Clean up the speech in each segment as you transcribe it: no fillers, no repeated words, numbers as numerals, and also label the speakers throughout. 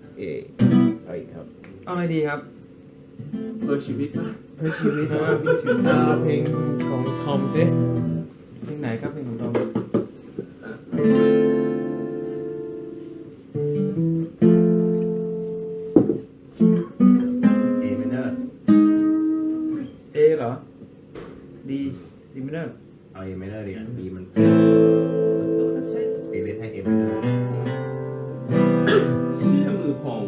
Speaker 1: เอาอีกครับ
Speaker 2: เอาอะไรดีครับ
Speaker 3: เพื่อชีวิตป่ะ
Speaker 1: เพื่อชีวิตเพลงของทอมซิ
Speaker 2: เพลงไหนครับเพลงของเรา
Speaker 3: เอเมเนอร์
Speaker 2: เอเหรอดีไม่ได้
Speaker 3: เอาเอเมเนอร์ดีกว่าดีมันเอเล่นให้เอเมเนอร์เชี่ยมือพอง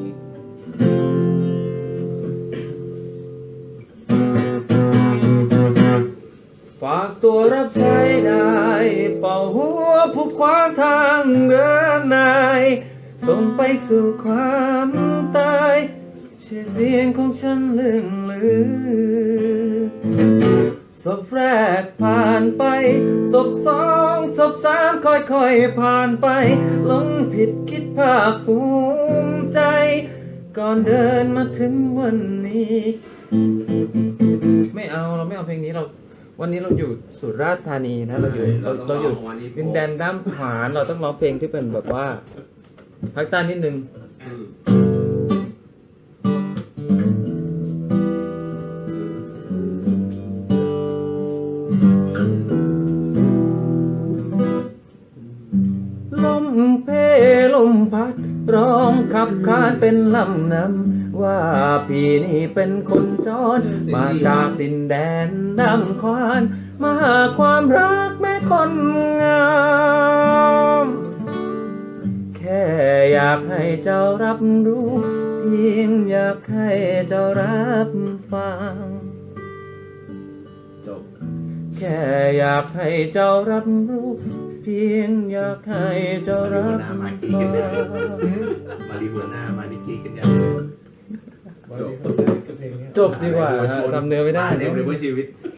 Speaker 2: ฝากตัวรับใช้ได้เป่าหัวผู้ขวางทางเดินนายส่งไปสู่ความตายชื่อเสียงของฉันเลื่องลือศพแรกผ่านไปศพสองศพสามค่อยๆผ่านไปหลงผิดคิดภาคภูมิใจก่อนเดินมาถึงวันนี้ไม่เอาเราไม่เอาเพลงนี้เราวันนี้เราอยู่สุราษฎร์ธานีนะเราอยู่ดินแดนด้ามขวานเราต้องร้องเพลงที่เป็นแบบว่าภาคใต้นิดนึงลมเพลมพัดร้องขับขานเป็นลำนำว่าพี่นี่เป็นคนจรมาจากดินแดนดำควานมาหาความรักแม่คนงามแค่อยากให้เจ้ารับรู้เพียงอยากให้เจ้ารับฟัง
Speaker 3: จบ
Speaker 2: แค่อยากให้เจ้ารับรู้เพียงอยากให้เจ้ารับฟัง
Speaker 3: มาดีหัวหน้ามาดีกีกันอย่าง
Speaker 1: จบเพลงนี้
Speaker 2: จบดีกว่าทำเนื้อไม่ได้
Speaker 3: เต็มเลยเพื่อชีวิต